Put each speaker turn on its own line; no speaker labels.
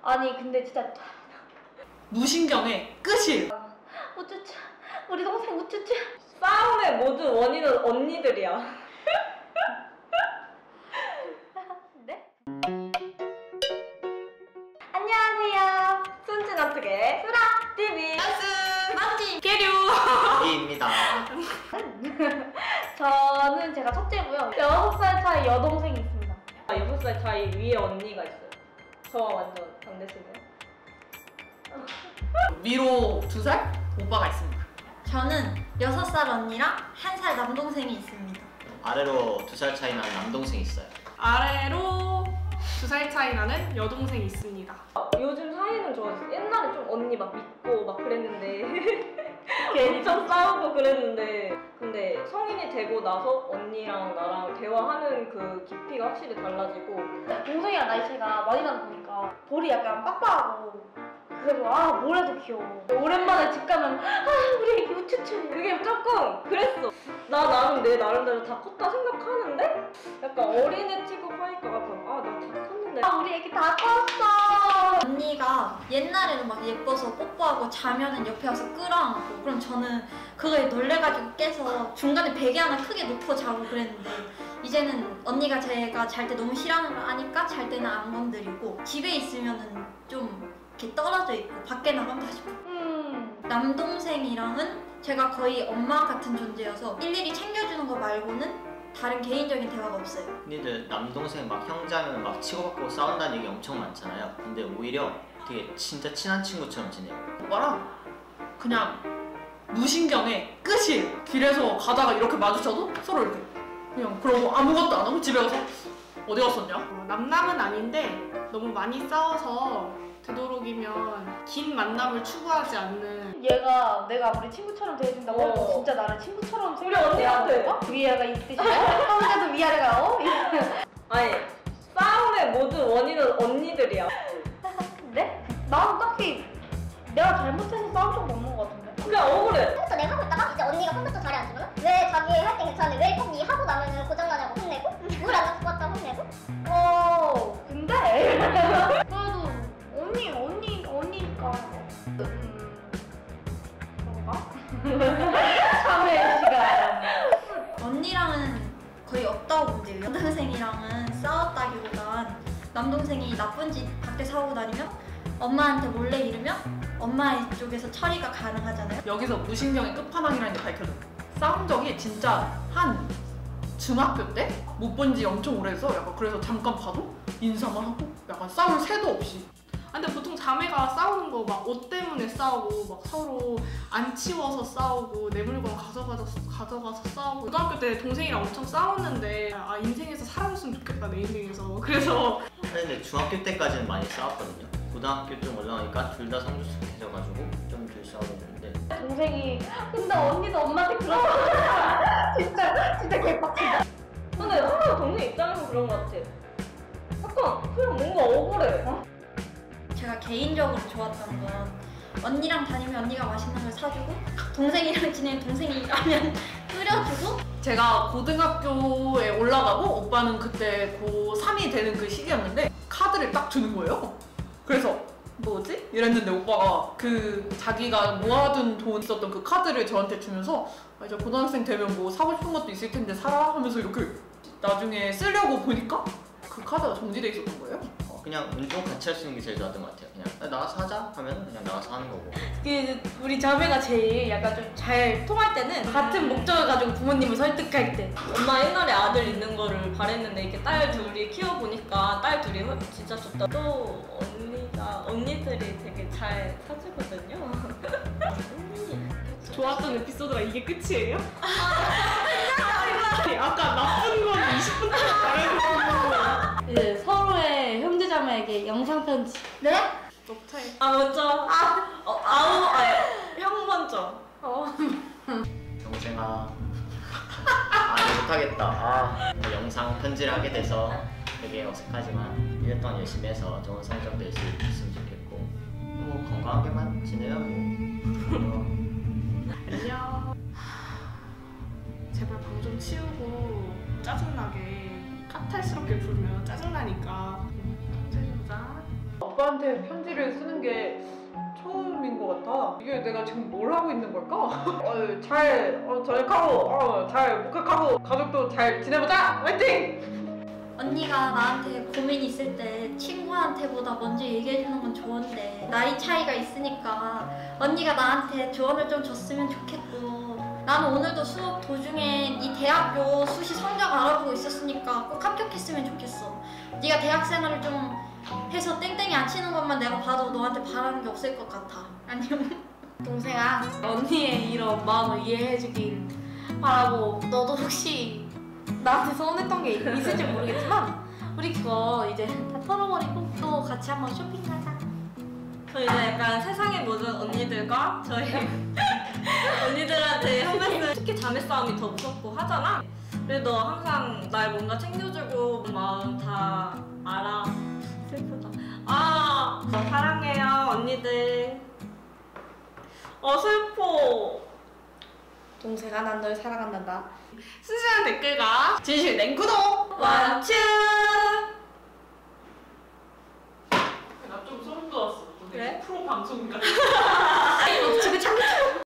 아니 근데 진짜
무신경의 끝이.
우쭈쭈 우리 동생 우쭈쭈.
싸움의 모든 원인은 언니들이야.
네? 안녕하세요.
순진 어떻게?
TV
맞지? 계류.
이입니다.
저는 제가 첫째고요. 6살 차이 여동생이 있습니다.
6살 차이 위에 언니가 있어요. 저와 완전 반대시네요.
위로 2살 오빠가 있습니다.
저는 6살 언니랑 1살 남동생이 있습니다.
아래로 2살 차이 나는 남동생이 있어요.
아래로 2살 차이 나는 여동생이 있습니다.
요즘 사이는 좋아졌어요. 옛날에 좀 언니 막 믿고 막 그랬는데 엄청 싸우고 그랬는데 근데 성인이 되고 나서 언니랑 나랑 대화하는 그 깊이가 확실히 달라지고
동생이랑 나이 차이가 많이 나다 보니까 볼이 약간 빡빡하고 그래서 아 뭘 해도 귀여워. 오랜만에 집 가면 아 우리 애기 우쭈쭈.
그게 조금 그랬어. 나 나름 내 나름대로 다 컸다 생각하는데 약간 어린애 취급하니까 아 나 다 컸는데
아 우리 애기 다 컸어.
언니가 옛날에는 막 예뻐서 뽀뽀하고 자면은 옆에 와서 끌어안고, 그럼 저는 그거에 놀래가지고 깨서 중간에 베개 하나 크게 놓고 자고 그랬는데, 이제는 언니가 제가 잘 때 너무 싫어하는 걸 아니까 잘 때는 안 건드리고, 집에 있으면은 좀 이렇게 떨어져 있고 밖에 나가면 다시 남동생이랑은 제가 거의 엄마 같은 존재여서 일일이 챙겨주는 거 말고는 다른 개인적인 대화가 없어요.
근데 남동생 막 형제하면 막 치고받고 싸운다는 얘기 엄청 많잖아요. 근데 오히려 되게 진짜 친한 친구처럼 지내요.
오빠랑 그냥 무신경의 끝이. 길에서 가다가 이렇게 마주쳐도 서로 이렇게 그냥 그러고 아무것도 안 하고 집에 가서 어디 갔었냐?
남남은 아닌데 너무 많이 싸워서 되도록이면 긴 만남을 추구하지 않는.
얘가 내가 아무리 친구처럼 대해준다고 해도 진짜 나를 친구처럼
우리 언니한테
위아래가 이 뜻이야? 혼자도 위아래가
아니 싸움의 모든 원인은 언니들이야.
네? 나는 딱히 내가 잘못해서 싸운 적도 없는 것 같은데.
그냥 억울해.
컴퓨터 내가 하고 있다가 이제 언니가 컴퓨터 자리 앉으면 왜 자기 할 때 괜찮은데 왜 꼭 니 하고 나면은 고장나냐고 혼내고 물 안 갖고 왔다고 혼내고.
근데 그래도 언니니까 그런가? 참회 시간.
언니랑은 거의 없다고 보면 돼요. 남동생이랑은 싸웠다기보단 남동생이 나쁜 짓 밖에 사오고 다니면 엄마한테 몰래 이르면 엄마 쪽에서 처리가 가능하잖아요.
여기서 무신경의 끝판왕이라는 게 밝혀져. 싸운 적이 진짜 한 중학교 때? 못 본 지 엄청 오래돼서 약간 그래서 잠깐 봐도 인사만 하고 약간 싸울 새도 없이.
근데 보통 자매가 싸우는 거 막 옷 때문에 싸우고 막 서로 안 치워서 싸우고 내 물건 가져가서 싸우고. 고등학교 때 동생이랑 엄청 싸웠는데 아 인생에서 사라졌으면 좋겠다 내 인생에서. 그래서
근데 중학교 때까지는 많이 싸웠거든요. 고등학교 좀 올라가니까 둘 다 성숙해져가지고 좀 덜 싸우게 되는데
동생이 근데 언니도 엄마한테 그러고 진짜 개빡친다.
근데 항상 동생 입장에서 그런 것 같아. 약간 그냥 뭔가 억울해.
제가 개인적으로 좋았던 건 언니랑 다니면 언니가 맛있는 걸 사주고, 동생이랑 지내면 동생이 라면 끓여주고.
제가 고등학교에 올라가고 오빠는 그때 고3이 되는 그 시기였는데 카드를 딱 주는 거예요. 그래서 뭐지? 이랬는데 오빠가 그 자기가 모아둔 돈 있었던 그 카드를 저한테 주면서 아, 이제 고등학생 되면 뭐 사고 싶은 것도 있을 텐데 사라 하면서 이렇게 나중에 쓰려고 보니까 그 카드가 정지돼 있었던 거예요.
그냥 운동 같이 할 수 있는 게 제일 좋았던 것 같아요. 그냥 나가서 하자 하면 그냥 나가서 하는 거고.
우리 자매가 제일 약간 좀 잘 통할 때는 같은 목적을 가지고 부모님을 설득할 때.
엄마 옛날에 아들 있는 거를 바랬는데 이렇게 딸 둘이 키워보니까 딸 둘이 진짜 좋다. 또 언니들이 되게 잘 사주거든요.
좋았던 에피소드가 이게 끝이에요? 아까 나쁜 건 20분 동안 말해주고
이제 서로의 형제자매에게 영상 편지.
네?
녹차에
아 먼저 형 먼저.
동생아 못하겠다. 영상 편지를 하게 돼서 되게 어색하지만 1년 동안 열심히 해서 좋은 성적 낼 수 있으면 좋겠고 뭐 건강하게만 지내요 뭐.
안녕. 제발 방 좀 치우고 짜증나게 까탈스럽게 굴면 짜증나니까. 자
오빠
언니한테 편지를 쓰는 게 처음인 것 같아. 이게 내가 지금 뭘 하고 있는 걸까? 잘 저녁하고 잘 목욕하고 가족도 잘 지내보자. 화이팅!
언니가 나한테 고민 있을 때 친구한테보다 먼저 얘기해주는 건 좋은데 나이 차이가 있으니까 언니가 나한테 조언을 좀 줬으면 좋겠고 나는 오늘도 수업 도중에 네 대학교 수시 성적 알아보고 있었으니까 꼭 합격했으면 좋겠어. 네가 대학 생활을 좀 해서 땡땡이 안 치는 것만 내가 봐도 너한테 바라는 게 없을 것 같아. 안녕.
동생아, 언니의 이런 마음을 이해해주길 바라고 너도 혹시 나한테 서운했던 게 있을지 모르겠지만 우리 그거 이제 다 털어버리고 또 같이 한번 쇼핑 가자.
저 이제 약간 세상의 모든 언니들과 저희 언니들한테 한 말씀. 특히 자매 싸움이 더 무섭고 하잖아. 그래도 항상 날 뭔가 챙겨주고 마음 다 알아. 슬프다. 사랑해요 언니들. 슬퍼.
동생아, 난 널 사랑한단다.
순수한 댓글과
진실 냉구독!
완추.
나 좀 소름 돋았어.
그래?
프로 방송가.
지금 참고